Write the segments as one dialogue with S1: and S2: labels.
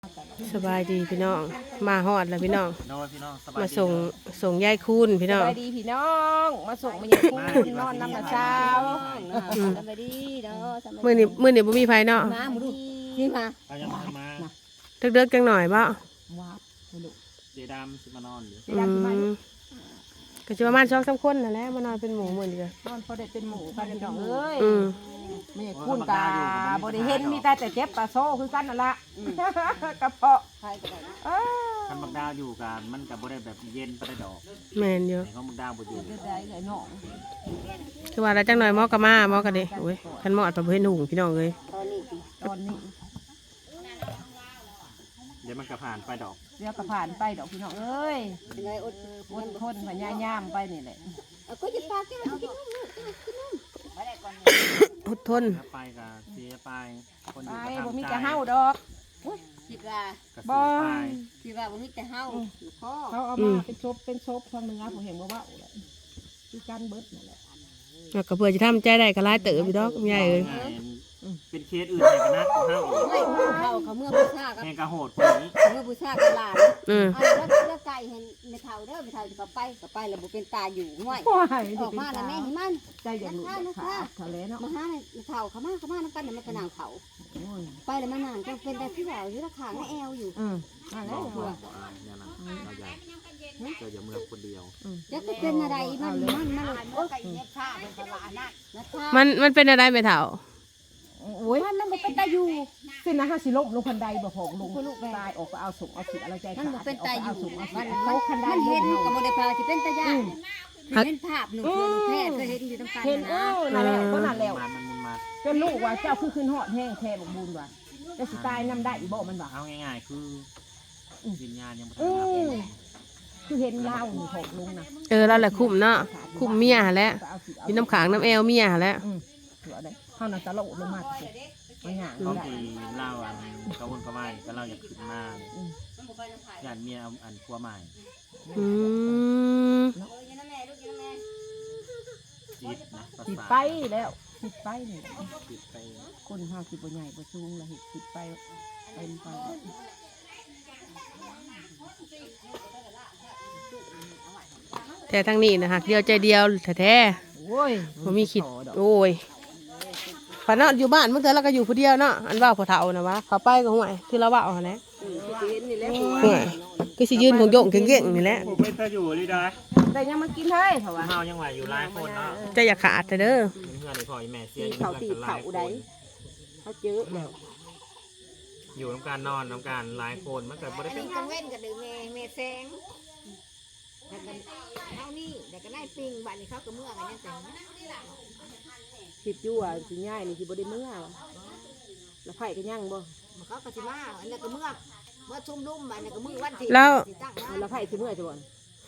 S1: สบายดีพี่น้องมาฮอดแล้วพี่น้อง
S2: พี่น้องสบาย
S1: มา
S2: ดี
S1: ส่งยายคูณพี่น้อง
S3: สบายดีพี่น้องมาส่งมาอย่างคุณนอนน้ำหนักเช้าสบายดีเนาะ
S1: มื้อนี้บ่มีไผเนาะ
S3: มาหมูดูนี่มา
S2: เอายังมา
S1: เด็กๆจังหน่อยบ่
S3: ว้าวลูก
S2: เดดามสิมานอนอยู่
S1: ก็สิประมาณ2-3คนนั่นแหละมานอนเป็นหมู่มื้อนี้ก็
S3: นอนพอได้เป็นหมูกันพี่น้องเอ้ย
S1: อืม
S3: ไม่คุ้นตาบ่ได้เห็นมีแต่เจ็บตาโซ่คือกันนั่นละกระเพาะ
S2: คันบักดาวอยู่กันมันกับบ่ได้แบบเย็นปได้ดอก
S1: แม่นอยู่
S2: แต่เขาบักดาวบ่อยู่
S3: ได้เลยน้อง
S1: คือว่าแล้วจังหน่อยหมอก็มาหมอก็เด้โอ้ยคันหมอดบ่เห็นหุงพี่น้องเอ้ย
S3: ตอนนี้
S2: เดี๋ยวมันก็ผ่านไปดอก
S3: เดี๋ยวก็ผ่านไปดอกพี่น้องเอ้ยอดทนพยายามไปนี่แหละ
S4: ก็จะปากแก้วกินนม
S1: อดทน
S2: ถ้าไปก็เสียไปคนอ
S3: ไป
S2: ยู่ก็
S3: บ่
S2: ทำ
S3: มี
S2: ใจ
S3: จะเฮาดอก
S4: คิดว่า
S2: ก็
S3: บ่
S2: เสียไป
S4: คิดว่าบ่มีแต่เฮาอยู่พ่อ
S3: เขาเอามาเป็นซบทางเนื้อผมเห็นว่าเลยคือการเบิดนั่นแหละ
S1: แล้วก็เพื่อสิทำใจได้ก็หลายเติบอยู่ดอกยายเอ้ย
S2: เป็นเคสอื่นแห่งกันนักของเฮา
S4: ไม่เขาเมื่อบูชากับ
S2: แห่งกระโหดคนนี้
S4: เมื่อบูชากับหลาน
S1: อืม
S4: แล้วไก่เห็นไม่เท่าเด้อไม่เท่าจะเขาไปแล้วบ่เป็นตาอยู่ห้วย
S3: โอ้ย
S4: ออกมาแล้วแม่เห็นมัน
S3: ใจอย่างนี้ขาดเขาเลยเนาะ
S4: มาหาไม่เท่าเขามาน้ำกันมันก็นางเขาไปแล้วมันนางก็เป็นแต่ที่แบบอยู่ราคาแม่แอลอยู่
S3: อะไร
S2: บอก
S3: หัว
S2: ว่าเนี่ยนะเราอยากเจออย่าเมืองคนเดียว
S4: แล้วก็เป็นอะไรมันโอ้ย
S1: มันเป็นอะไรไม่เฒ่า
S3: โอ้ยมันบ่เป็นตาอยู่สินะฮะสิลบลงคันใดบ่ของลงตายออกก็เอาส่งเอาสิอะไรใจ
S4: มันบ่เป็นตาอยู่
S3: มันเขาคันใด
S4: มันเห็นกับโมเดลพาที่เป็นตาย่าเห็นภาพหนุ่มแค่เคยเห็นอยู่ตรงกลาง
S3: เห็น
S4: นะ
S3: นั่นแหละก็นั่นแล้ว
S2: มันมุนมา
S3: จนลูกว่าเจ้าคือขึ้นหอดแห้งแท้บักบุญว่ะจะสิตายนำได้อีบ่มันว่ะ
S2: เอาง่ายๆคือวิญญาณยังบ่ทั
S3: อื
S2: น
S3: อคือเห็นเล่านี่ของลุงนะ
S1: แล้วแหละคุ้มเนาะคุ้มเมียหั่นแหละมีน้ำขางน้ำแอวเมียหั่นแหละ
S3: เสือได้เฮาน่ะตะโลลงมาสิมันหยัง
S2: เขา
S3: ได้
S2: ที่เล่าอันกระวนกระวายก็เล่าอยากขึ้นมาญาติเมียอันพัวใหม่
S1: อืม
S2: จิตนะประ
S3: สิ
S2: สาท
S3: ไปแล้วสิไปนี่
S2: จิตไป
S3: คนเฮาสิบ่ใหญ่บ่สูงแล้วเฮ็ดสิไปเป็นไป
S1: แต่ทางนี้นะฮักเดียวใจเดียวแท้
S3: โอ้ย
S1: ๆบ่มีคิดโอ้ยพอเนาะอยู่บ้านเมื่อเธอเราก็อยู่ผู้เดียวเนาะอันว่าพอเฒ่านะวะเขาไปก็ห่วยคือเราว่าเอาหั่นแหละห่วยก็สิยืนของโยงเก่งๆนี่แหละ
S2: ผมไม่เคยอยู่เลยได้
S3: แต่ยังมากินเฮ้ยเพราะว่า
S2: เฮายังไหวอยู่หลายคนเนาะ
S1: จะอย่าขาดแต่เด้อ
S2: เพื่อนในพ่อแม่เสียอยู่
S3: เขา
S2: กัน
S3: ตี
S2: หลา
S3: เขา
S2: ยค
S3: ใด
S2: น
S3: เขาเจอแล้ว
S2: อยู่น้ำการนอนน้ำการหลายคนมันเกิดบ่ได้
S4: อัน
S2: เป็น
S4: นี้กังเว้นกับดือเมแซงเท่านี้แต่ก็ได้ปิงบัดนี้เขาก็เมื่อกันยังแต่
S3: คิดอยู่ว่าสิง่ายนี่สิบ่ได้เมื่อวะแล้วไผก็ยังบ่
S4: เขาก็สิมาอันนั้นก็เมื่อชุ่มลุ่มอันนั้นก็มือวันที่
S1: แล้ว
S3: แล้วไผสิเมื่อจะบ่
S4: ยัง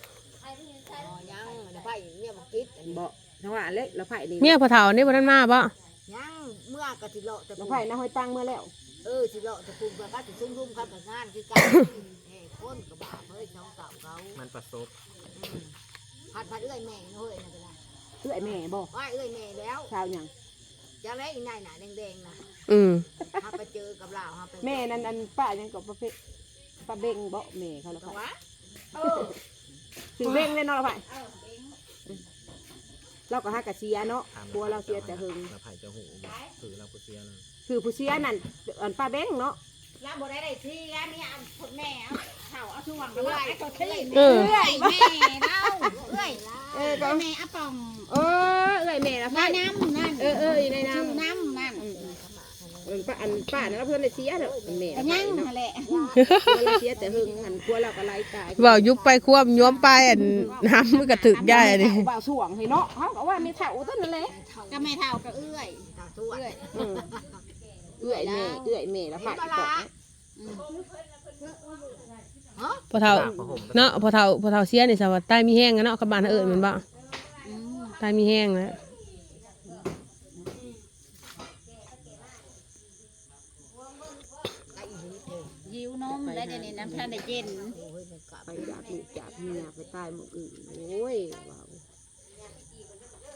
S4: เดี๋ยวไปเนี่ยบอกติด
S3: บ่ทั้งว่าเล็กแล้วไผนี่
S1: เมียพอเฒ่านี่บ่ทันมาบ่
S4: ยังเมื่อก็สิเลาะแต่
S3: แล้วไผนะห้อยตังเมื่อแล้ว
S4: สิเลาะแต่คุมก็สิชุ่มลุ่มครับงานคือการคนก็บ้าเฮ้ยช่องเก่าเขา
S2: มันประสบ
S4: ผัดเอื้อยแม่เฮ้ยนั่นก็ได้
S3: เอื้อยแม่บ่
S4: ว่าเอื้อยแม่แล้ว
S3: ชาวหยัง
S4: จะได้อีนายหนาแดงๆนะ
S1: อืม
S4: ถ้าไปเจอกับเราถ้าไป
S3: แม่นั่นอันป้ายังก็ประเภทป้าเบ่งบ่แม่เขาแล้ว
S4: ก็
S3: ไผ
S4: ว่า
S3: สิเบ่งแน่นอนแล้วไผเราก็หากะเสียเนาะกลัวเราเสียแต่หึง
S2: เราไผ่จะหูถือเราก็เสียเลย
S3: คือผู้เสียนั่นอันป้าเบ่งเนาะ
S4: แล้วบ่ได้ที่แล้วนี่เอาคนแม่เอาช่วงด้วยไอ้ตัวที่
S1: เออ
S4: แม่เล่าเอ้ย
S3: ก็
S4: แม่อะปอม
S3: เออเอื้อยแม่ละไผ
S4: น้ำนั่น
S3: ในน้
S4: ชื่อน้ำนั่น
S3: ำป้าอันป้านั่นเพิ่นได้เสียเด้อแม่
S4: ก็ยังนั่นแหละ
S3: เราเสียแต่หึงอันกลัวเราก็ไล่ตาย
S1: เว้ายุบไปควบย้อมไปอันน้ำมันก็ถึกได้อันนี้
S3: บ่าวสวงให้เนาะเขาก็ว่าไม่เท่าต้นนั่นแหละ
S4: ก็ไม่เท่ากับเอื้อยตัวเอื้อย
S3: เอื้อยแม่แล้วผักอีกต่อ
S1: พอเฒ่าเนาะพอเฒ่าเสียนี่สวัสดิ์ใต้มีแห้งอะเนาะกับบ้านเอิ้นแม่นบ่ใต้มีแห้งแล้ว
S4: ยิ้วนมได้เดี๋ยวนี้น้ำท่านได้เย็น
S3: ไปจากลูกจากเมียไปตายหมดอื่นโอ้ยว้าว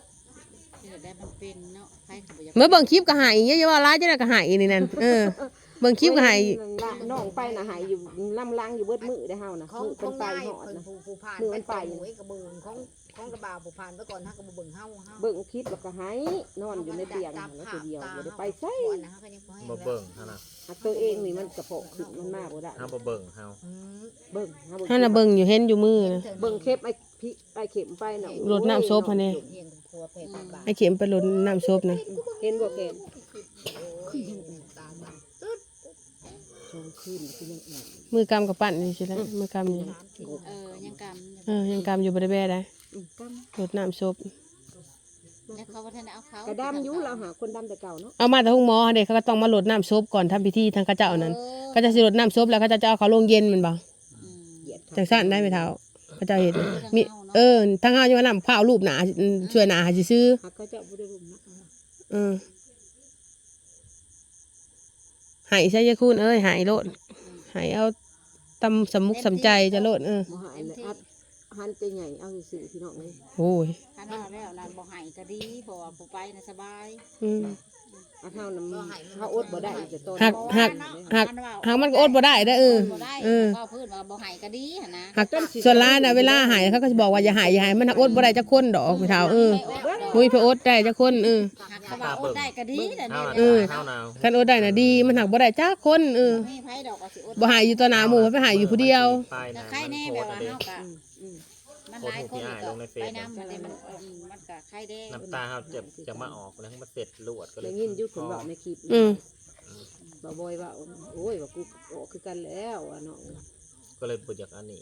S4: ที่ได้มันเป็นเนาะใครก็บ่อยาก
S1: เมื่อเบิ่งคลิปก็หายอย่าว่าร้ายจังได๋ก็หายนี่นั่นเบิ่งคลิปก็ให้
S3: น้องไปน่ะหายอยู่ลำลังอยู่เบิดมือได้เฮานะ
S5: ของ
S3: มือ
S5: ข
S3: เป็
S5: อน ง
S3: ไป
S5: นาย
S3: หอดนะ
S5: ผู้ผ่านไปแต่หวยกระเบิงของกระบาผู้ผ่านไปก่อนฮะกระเบิงเฮา
S3: เบิ่งคลิปแล้วก็หายนอนอยู่ในเตียงแล้วตัวเดียวบ่ได้ไปไส
S2: บ่เบิ่งเฮานะ
S3: ตัวเองนี่มันกระเพาะขึ้นมันมากบ่ได้
S2: เฮาบ่เบิ่งเฮา
S3: เบิ่ง
S1: ให้น่ะเบิ่งอยู่เห็นอยู่มือนะ
S3: เบิ่งเข็มไอ้เข็มไปน่ะ
S1: รดน้ำศพหั่นนี่ไอ้เข็มไปรดน้ำศพนะ
S3: เห็นบ่เข็มชงขึ้นคือยังอ่อน
S1: มือกำกับปั้นนี่ใช่ไหมมือกำนี่
S4: ยังก
S1: ยังกำอยู่บ่ได้แบ่ได้
S3: กำ
S1: รดน้ำศพ
S4: ำแล้วเขาว่าท่านเอาเขา
S3: กระดำอยู่เราหาคนดำแต่เก่าเนาะ
S1: เอามาแต่ห้องหมอเด็กเขาก็ต้องมารดน้ำศพก่อนทำพิธีทางเขาเจ้านั้นก็จะสิรดน้ำศพแล้วเขาจะเอาเขาลงเย็นแมันบ่
S3: เหยียด
S1: จังซั่นได้ไหมเท้าเขาเจ้าเห็นมีทางเฮาอยู่ว่านำผ้ารูปหนาช่วยหนาหาสิซื้อ
S3: หักเขาเจ้าบ่ได้รุมนะ
S1: หายใช่ยายคุณเอ้ยหายโลดหายเอาตำสำมุกสำใจจะโลด
S3: บ่หายเลยอัดหันใจใหญ่เอาซื่อๆพี่น้องเลย
S1: โอ้ย
S4: ท่านว่าแล้วร้านบ่ให้ก็ดีเพราะว่าผู้ไปน่ะสบาย
S3: อันเฮานำเฮาอดบ่ได้จะต้น
S1: หากมันก็อดบ่ได้เด้อ
S4: บ่ได้ก็พื้นว่าบ่ให้ก็ดีหั่นนะ
S1: หากส่วนร้ายน่ะเวลาหายเขาก็จะบอกว่าอย่าหายมันหักอดบ่ได้จักคนดอกพี่เท้ามุ้ยไปอดได้จักคน
S4: หากเขาว่าอดได้ก็ดีแต่
S2: เฮา
S4: นี่
S2: เฮาหนาว
S1: คันอดได้น่ะดีมันหักบ่ได้จักคน
S4: มีไผดอกก็สิอด
S1: บ่หายอยู่ต่อหน้าหมู่ไปหายอยู่ผู้เดียว
S2: ไป
S4: ก็
S2: นะ
S4: ใครแน่แบบว่าเฮาก็มันหลายคนก็ไปนำมันก็ใครแด้
S2: น้ำตาเฮาจะมาออกแล้วมันเสร็จลวดก็เล
S3: ได้
S2: ย
S3: ยินอยู่คนบอกในคลิปบ่บ่อยว่าโอ้ยว่ากูออกคือกันแล้วอ่ะน้อง
S2: ก็เลยบ่อยากอันนี้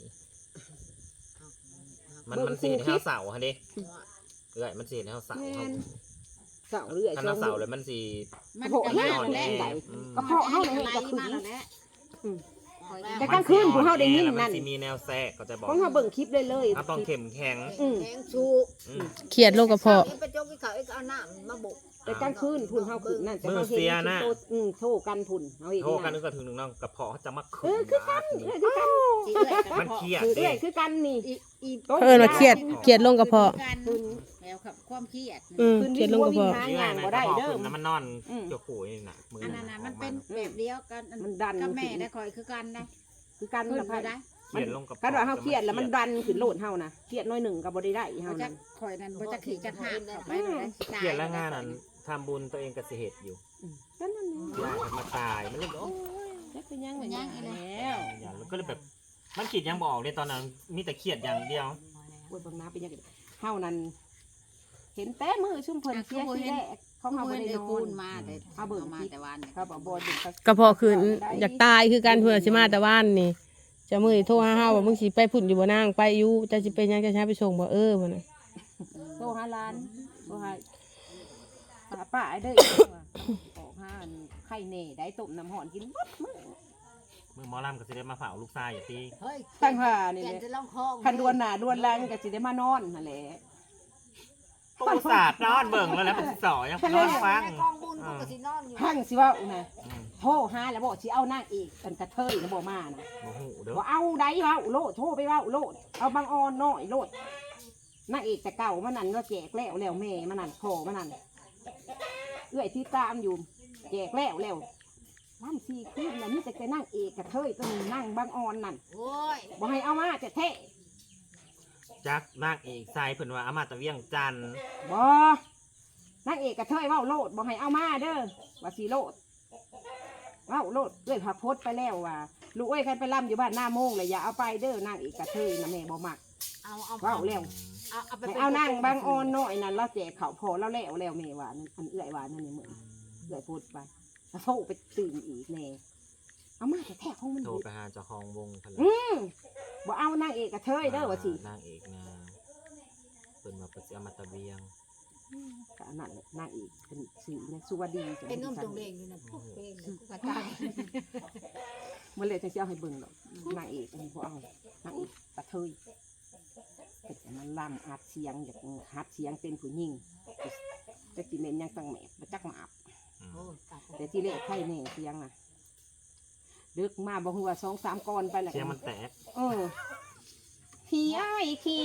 S2: มันสิให้เฮาเสาหั่นเด้เอ้ยมันสิให้เฮาเสา
S3: แม่
S2: เฮาน
S3: เสาเรื่อย
S2: ถ้าเฮาเสาเลยมันสิ
S4: มันก็มาแล้วแหละ
S3: ก็เพราะเฮาเลยก็ขึ้น
S4: มาแล้วแหละ
S3: แต่กลางคืนผู้เฮาได้ยิน
S2: มั
S3: นั่น
S2: สิมีแนวแทรกก็จะบอก
S3: เพราะเฮาเบิ่งคลิปเลยเลย
S2: เฮาต้องเข้มแข็ง
S5: แทงชู
S1: เครียดโรคกระเพาะ
S5: ไปจกเขาเอาน้ำมาบุก
S3: แต่กลางคืนพุ่นเฮาขึ้นนั่นแต่เฮาเห็นโทรกันพุ่นเฮาเห็น
S2: โทรกันนึกก็ถึงนึงน้องกระเพาะจะมาขึ้น
S3: คือกันคือกัน
S2: มันเครียด
S3: คือ
S2: เด้
S3: คือกันนี่
S1: ว่าเครียดโรคกระเพาะ
S4: แล้วครับความเครียด
S1: เครียดโรคกระเพาะ
S3: หางานบ่ได้เด้อ
S2: แล้วมันนอนจะขู่นี่น่ะมือ
S4: อันนั้นมันเป็นแบบเดียวกัน
S3: มันดัน
S4: กับแม่ได้คอยคือกันนะ
S3: คือกัน
S4: ขึ้น
S3: ละ
S4: ไป
S3: พัด
S4: ได้
S2: เครียดลงกับ
S3: คันว่าเฮาเครียดแล้วมันดันขึ้นโลดเฮานะเครียดน้อยหนึ่งก็บ่ได้เฮา
S4: เขาจะ
S3: นะ
S4: คอยนั้นเขาจะขี่จะหักเข้าไปเลย
S2: เครียดแล้วงานนั้นทำบุญตัวเองก็สิเหตุอยู่
S3: ก็นั่น
S2: อยากมาตายมันเลยโอ้
S3: จักเป็นยัง
S4: มันยังไง
S3: แล้ว
S2: ยแล้วก็เลยแบบมันคิดยังบอกเลยตอนนั้นมีแต่เครียดอย่างเดียว
S3: โอ้ยบางนาเป็นยังเฮานั้นเห็นแต่มือชุ่มเพิ่นเสียทีแรกของเฮาบ่ได้นอ
S4: คู
S3: น
S4: ณมาแต่เอาเบิ่งมาแต่วัน
S3: ครับบ่ดึง
S1: กระเพาะคืนอยากตายคือกันเพื่อสิมาแต่ว่านนี่จะมื้อโทรหาเฮาว่ามึงสิไปพุ่นอยู่บ่นางไปอยู่จะสิไปยังจะช้าไปส่งบ่บ่น่ะ
S3: โทรหาร้านโทรหาป้าไอ้เด้อออกหาไข่เน่ได้ต้มน้ำร้อนกินบัดมื้อ
S2: มือหมอลำก็สิได้มาเผาลูกชายอย่างที่
S5: เฮ้ย
S3: ตั้งหานี่
S5: แก
S3: แหละ
S5: จะลองคอง
S3: คันดวนหน้าดวนหลังก็สิได้มานอนนั่นแหละ
S2: ประวัติศาสตร์นอนเบิ่งแล้วเป็นสอยังนอนฟัง
S5: กองบุญกูก็สินอนอยู่
S3: พังสิว่าน่ะโทรหาแล้วบอกสิเอานางเอกกันกระเทยนะบ่มานะ
S2: โอ้โหเด้อ
S3: บ่เอาได้เว้าโลดโทรไปเว้าโลดเอาบางออนน้อยโลดนางเอกแต่เก่ามันนั่นก็แจกแล้วแม่มันนั่นพ่อมันนั่นเอื้อยที่ตามอยู่แจกแล้วล่ำ4คืนแล้วมีแต่นางเอกกระเทยตัวนึงนั่งบางออนนั่น
S5: โอ้ย
S3: บ่ให้เอามาแต่แท้
S2: จักนางเอกชายเพิ่นว่าอามาตะเวียงจันทน์
S3: บ่นางเอกกระเทยเว้าโลดบ่ให้เอามาเด้อว่าสิโลดเว้าโลดเอื้อยพาโพสไปแล้วว่าลูกเอ้ยใครไปล่ำอยู่บ้านหน้าโมงเลยอย่าเอาไปเด้อนางเอกกระเทยนะแม่บ่มัก
S5: เอา
S3: เว้าแล้ว
S5: เอาไป
S3: ให้เอานั่งบางออนน้อยนั่นเราแจกเขาพอเราแล้วแม่ว่านั่นอันเอื้อยว่านั่นนี่เหมือนเอื้อยพูดไปแล้วโทรไปตื่นอีกแน่เอามาแต่แท้ของมัน
S2: โทรไปหาเจ้าของวงเพิ่น
S3: บ่เอานางเอกกระเทยเด้อว่าสิ
S2: นางเอกนะเพิ่นว่าเพิ่นสิอามาตะเวียง
S3: ก็อันนั้นแหละนางเอกเป็นชื่อนะสุวดีจัง
S5: เป็นนุ่มตรงเด้งอยู่นะพวกเด้งกูกระจาย
S3: มันเลยจังสิเอาให้เบิ่งดอกนางเอกอันนี้บ่เอานางเอกกระเทยเป็นมันล่ำอัดเสียงอยากฮัดเสียงเป็นผู้หญิงจะสิเม่นยังตั้งแหมบ่จักมาอับ
S5: โอ้ย
S3: แต่ที่เลขไข่แน่เสียงน่ะดึกมาบ่ฮู้ว่า2-3ก้อนไปแล้ว
S2: เสียงมันแตก
S3: ขี้อ้ายขี้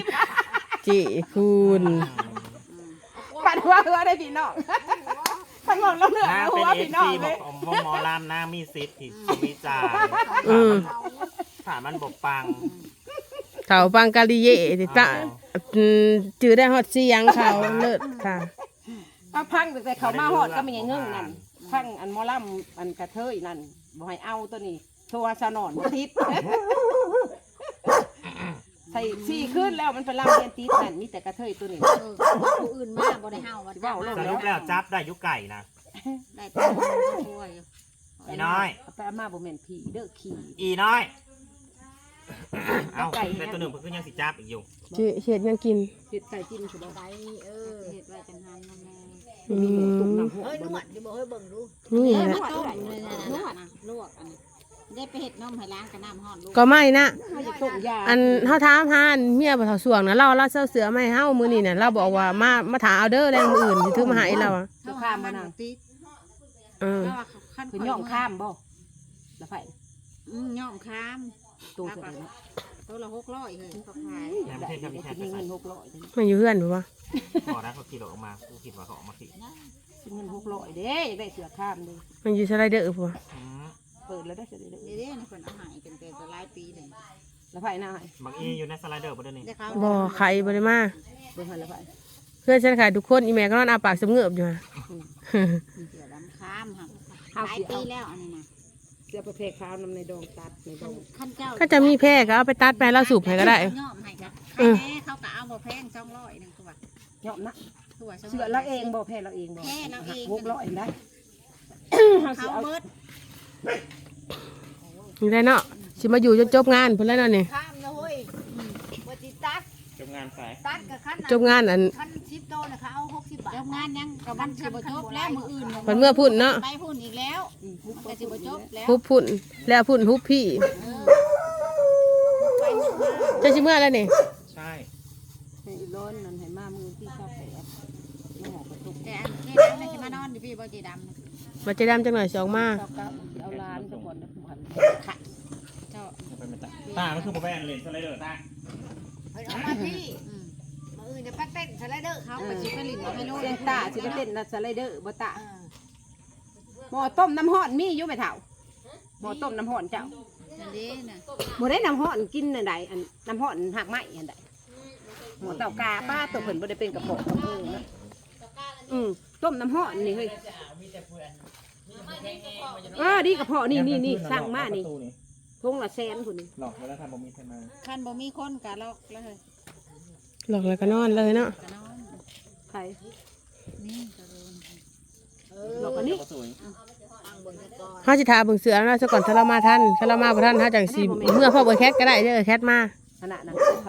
S1: จิคุณ
S3: ปัดหัวได้พี่น้องทั้งหมดแล้วเหลือน
S2: าง
S3: หั
S2: เป็น
S3: ว
S2: เอ
S3: พี่
S2: ฟ
S3: น้อ
S2: ซี
S3: ง
S2: บ
S3: เล
S2: อก
S3: ย
S2: ว่าหมอลำนางมีสิทธิ์ที่วิจารณ์ถามมันบอกปัง
S1: เขาฟังกาลิเย่ติตะจือได้ฮอดเสียงเขาเลิศค่ะ
S3: เอาพังแต่เขามาหอดก็ไม่ยังเงื่งนั่นพังอันหมอลำอันกระเทยนั่นบ่ให้เอาตัวนี้โทรสนอนบ่ติดใส่ซี่ขึ้นแล้วมันเป็นลำเรียนติดนั่นมีแต่กระเทยตัวนี้
S5: ผู้อื่นมากบ่ได้เฮาว่า
S3: เว้าโลด
S2: สรุปแล้วจับได้ยุไก่นะ
S5: ได้ตัวช่วย
S2: อีน้อย
S3: เอาไปเอามาบ่แม่นผีเด้อขี่
S2: อีน้อย เอาแต่ตัวหนึ่งเพิ่งยังสิจับอีกอยู่
S1: จือเฮ็ดยังกิน
S3: เฮ็ดไก่กินสุด
S5: ไปเฮ็ดไว้จังหันนำแม่
S1: อื
S3: มีหมูตุ่ม
S1: ม
S3: น้ำหอ
S5: เฮ้ย
S3: ม
S5: นวดดิบ่เฮ้ยเบิ่งดู
S1: นี่แหละ
S5: ต้มเลยนะลวกอันนี้ได้ไปเฮ็ดนมให้ล้างกับน้ำร้อนลูก
S1: ก็ไม่นะ
S3: เขาจะต้มยา
S1: อันเฮาถามหาอันเมียบ่เฒ่าสวงนะเราเซาเสือมาให้เฮามื้อนี้น่ะเราบอกว่ามาถาเอาเด้อแรงมื้ออื่นสิถือมาให้เราอะ
S3: จะข้ามมานั่ง
S5: ติด
S1: เออ
S5: แล้วว่าคัน
S3: คือย่อมข้ามบ่แล้วไผ
S5: ย่อมข้าม
S3: ตัวเท่าไหร่เนาะ
S5: ตัวละ600เฮ้ยเขาขาย
S2: แหมไม่ใช่ครับพี่แคท
S3: มี
S2: จะ
S3: เงิ
S2: ใส่
S3: น600เด้
S1: มันอยู่เฮือนบ่วะ
S2: พอนะเขาขี่รถออกมากูคิดว่าเขาออกมาขี่
S3: มีเงิน600เด้อยากได้เสือข้ามเด้
S1: มันอยู่สไลเดอร์บ่วะ
S3: เปิดแล้วได้เสือเด้อ
S5: เด้ๆนี่เพิ่นเอาให้เป็นแต่หลายปีเลย
S3: แล้วไผหน้าให้
S2: บางอีอยู่ในสไลเดอร์ประเด็นนี้
S5: ได้เขา
S1: บ่ไข่บ่ได้มา
S3: เบิ่งให้แล้วไผ
S1: เพื่อนฉันขายทุกคนอีแม่ก็นอนอาปากสมเงือบอยู่ฮะ
S5: เสือดำข้ามค่ะหลายปีแล้วอันนี้นะ
S3: เสือประเภทข้าวนำในดองตัดในดอง
S5: ขั้นเจ้า
S1: ก็จะมีแพร่ก็เอาไปตัดไปแล้วสูบให้ก็ได้
S5: ย่อมให้กันใครแน่เขาก็เอาบ่แพง200นึงคือว่า
S3: ยอมนะ
S5: คือว่า
S3: เสือเราเองบ่แพ้เราเองบ่
S5: แพ้เราเอง
S3: 600ได้เฮาสิ
S5: เขา
S3: เอา
S5: เบิด
S1: นี่ได้เนาะสิมาอยู่จนจบงานเพิ่นแล้วเนาะนี่
S5: ข้ามนะเฮ้ยบ่ติตัด
S2: จบงานสาย
S5: ตัดกับขั้น
S1: จบงานอัน
S5: ขั้น10โตนะคะเอา60บาทจบงานยังกับมันสิบ่จบแล้วมื้ออื่น
S1: เพิ่นเมื่อพุ่นเนาะ
S5: ไปพุ่นอีกแล้วมันก็สิบ่จบแล้ว
S1: ฮุบพุ่นแล้วพุ่นฮุบพี่
S5: ไปหมดมา
S1: จะสิเมื่อแล้วนี่
S2: ใช่
S3: ให้ร้อนนั่นให้มามือที่ชอบแปดน้องกระตุก
S5: แต่อันเจ๊ดำน่ะสิมานอนอยู่พี่บ่เจ๊ดำน่ะ
S1: มาจะดำจังหน่อยสองมา
S3: ชอบก้าวเอาล้านซะก่อนนะพันค่ะ
S5: เจ้า
S2: ไปไม่ตาตามันคือโปรแบนเลยสไลเดอร์ตา
S5: เฮ้ยเอามาพี่มื้ออื่นจะไปเต้นสไลเดอร์เขาไปสิไปลิ้นเอาให้ลูก
S3: เสียงตาสิไปเต้นนัดสไลเดอร์บ่ตา
S5: เออ
S3: หม้อต้มน้ำห้อนมีอยู่ไหมเฒ่าหม้อต้มน้ำห้อนเจ้า
S5: นั่นเด้น่ะ
S3: บ่ได้น้ำห้อนกินอันใดอันน้ำห้อนหักไม้อันใดหม้อเต่ากาป้าตัวเพิ่นบ่ได้เป็นกระเพาะกระเพาะนะต้มน้ำห้อนนี่เฮ้ยดีกระเพาะนี่สั่งมานี่ทงละแสนพุ่นนี่
S2: หลอกแล้วทำบะหมี่ไทยมา
S5: คันบ่มีคนก็ล็อกเลย
S1: หลอกแล้วก็นอนเลยเนาะ
S5: ก็นอน
S3: ใคร
S5: นี่ก็โดน
S3: หลอกอันนี้
S2: ก็สวย
S5: ตั้งเบิ่งซะก่อน
S1: เฮาสิทาเบิ่งเสือแล้วซะก่อนถ้าเรามาทันถ้าเรามาบ่ทันเฮาจังสิเมื่อพ่อเบิ่งแคทก็ได้เด้อแคทมา
S3: ขนาดนั้น